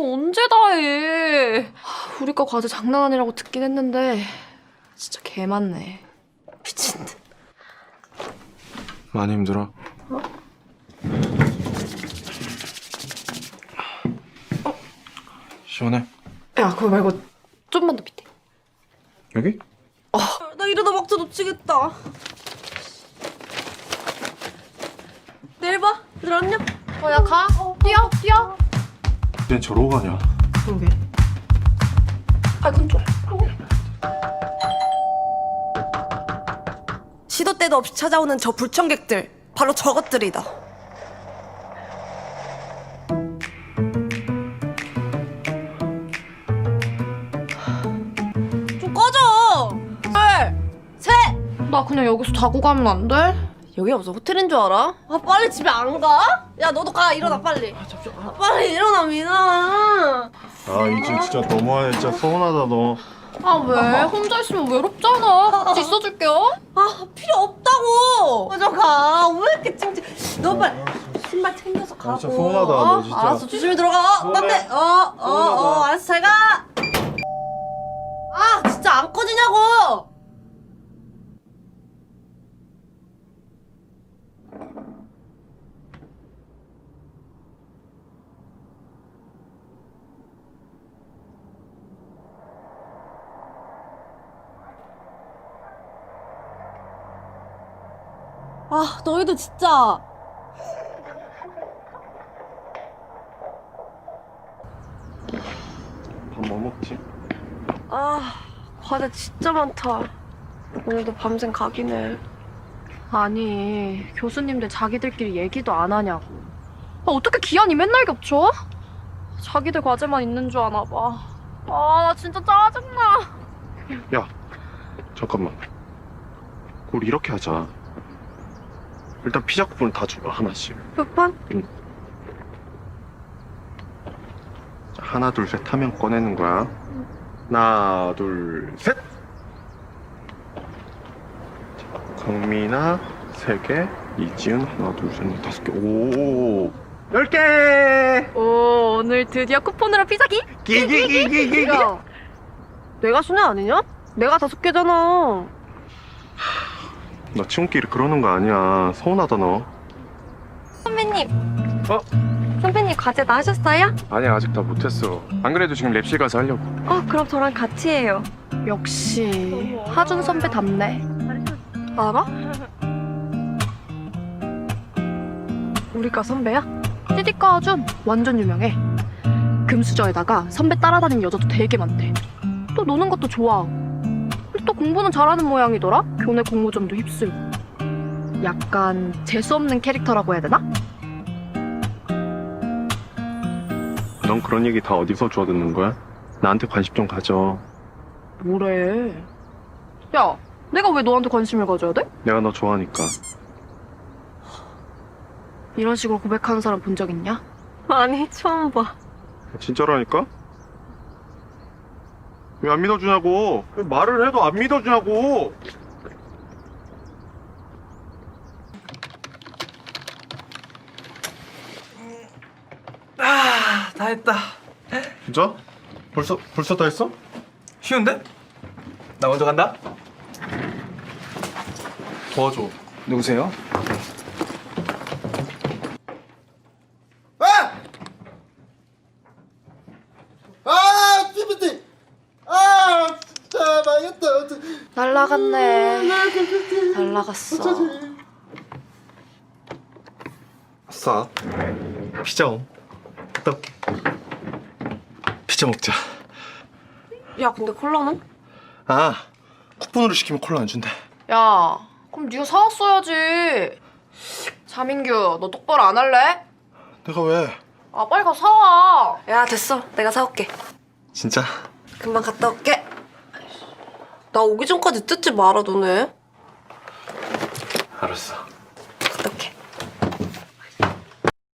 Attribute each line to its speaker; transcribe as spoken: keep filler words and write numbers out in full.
Speaker 1: 언제 다 해. 우리 과 과제 장난 아니라고 듣긴 했는데 진짜 개 많네. 미친 듯.
Speaker 2: 많이 힘들어?
Speaker 1: 어? 어?
Speaker 2: 시원해?
Speaker 1: 야, 그거 말고 좀만 더 밑에.
Speaker 2: 여기?
Speaker 1: 어. 나 이러다 막자 놓치겠다. 내일 봐. 얘들 안녕. 어, 야, 가. 어, 뛰어, 뛰어.
Speaker 2: 쟤 저러고 가냐?
Speaker 1: 그러게. 아, 그건 좀.
Speaker 3: 시도 때도 없이 찾아오는 저 불청객들, 바로 저것들이다. 좀 꺼져! 둘, 셋!
Speaker 1: 나 그냥 여기서 자고 가면 안 돼?
Speaker 3: 여기 무슨 호텔인 줄 알아? 아, 빨리 집에 안 가? 야, 너도 가, 일어나, 빨리. 아, 잠시만. 아, 빨리 일어나, 미나.
Speaker 2: 아 이제 진짜 너무하네. 진짜 서운하다 너.
Speaker 1: 아, 왜? 혼자 있으면 외롭잖아. 같이 있어줄게요.
Speaker 3: 아, 필요 없다고! 먼저 가. 왜 이렇게 찡찡. 너 빨리 신발 챙겨서 가고.
Speaker 2: 아, 진짜 서운하다, 너 진짜.
Speaker 3: 알았어, 조심히 들어가. 어, 딴데. 어, 어, 어, 알았어, 잘 가. 아, 진짜 안 꺼지냐고! 아, 너희도 진짜.
Speaker 2: 밥 뭐 먹지?
Speaker 3: 아, 과제 진짜 많다. 오늘도 밤샘 각이네.
Speaker 1: 아니, 교수님들 자기들끼리 얘기도 안 하냐고. 아, 어떻게 기한이 맨날 겹쳐? 자기들 과제만 있는 줄 아나 봐. 아, 나 진짜 짜증나.
Speaker 2: 야 잠깐만. 우리 이렇게 하자. 일단 피자 쿠폰을 다 줘봐 하나씩.
Speaker 3: 쿠폰?
Speaker 2: 자, 하나 둘 셋 하면 꺼내는 거야. 하나 둘 셋. 강민아 세 개, 이지은 하나 둘 셋 넷 다섯 개. 오 열 개.
Speaker 1: 오, 오늘 드디어 쿠폰으로 피자기?
Speaker 2: 기기기기기.
Speaker 3: 야, 내가 순회 아니냐? 내가 다섯 개잖아.
Speaker 2: 너 친구끼리 그러는 거 아니야. 서운하다 너.
Speaker 1: 선배님.
Speaker 2: 어?
Speaker 1: 선배님 과제 다 하셨어요?
Speaker 2: 아니 아직 다 못했어. 안 그래도 지금 랩실 가서 하려고.
Speaker 1: 어, 그럼 저랑 같이 해요. 역시 하준 선배답네.
Speaker 3: 알아? 우리과 선배야?
Speaker 1: 띠디과 하준 완전 유명해. 금수저에다가 선배 따라다니는 여자도 되게 많대. 또 노는 것도 좋아하고. 근데 또 공부는 잘하는 모양이더라? 교내 공모전도 휩쓸고. 약간 재수없는 캐릭터라고 해야 되나?
Speaker 2: 넌 그런 얘기 다 어디서 주워 듣는 거야? 나한테 관심 좀 가져.
Speaker 1: 뭐래? 야, 내가 왜 너한테 관심을 가져야 돼?
Speaker 2: 내가 너 좋아하니까.
Speaker 1: 이런 식으로 고백하는 사람 본 적 있냐?
Speaker 3: 아니, 처음 봐.
Speaker 2: 진짜라니까? 왜 안 믿어주냐고. 왜 말을 해도 안 믿어주냐고.
Speaker 4: 아, 다 했다.
Speaker 2: 진짜? 벌써 벌써 다 했어?
Speaker 4: 쉬운데? 나 먼저 간다.
Speaker 2: 도와줘.
Speaker 4: 누구세요?
Speaker 5: 아! 아, 피피티! 아, 진짜 망했다. 어떡-
Speaker 1: 날라갔네. 날라갔어.
Speaker 5: 어쩌지?
Speaker 2: 아싸. 피자 옴. 갔다 올게. 피자 먹자.
Speaker 3: 야, 근데 콜라는?
Speaker 2: 아, 쿠폰으로 시키면 콜라 안 준대.
Speaker 1: 야, 그럼 네가 사왔어야지. 자민규, 너 똑바로 안 할래?
Speaker 2: 내가 왜?
Speaker 1: 아, 빨리 가서 사와.
Speaker 3: 야, 됐어. 내가 사올게.
Speaker 2: 진짜?
Speaker 3: 금방 갔다 올게. 나 오기 전까지 뜯지 말아, 너네.
Speaker 2: 알았어.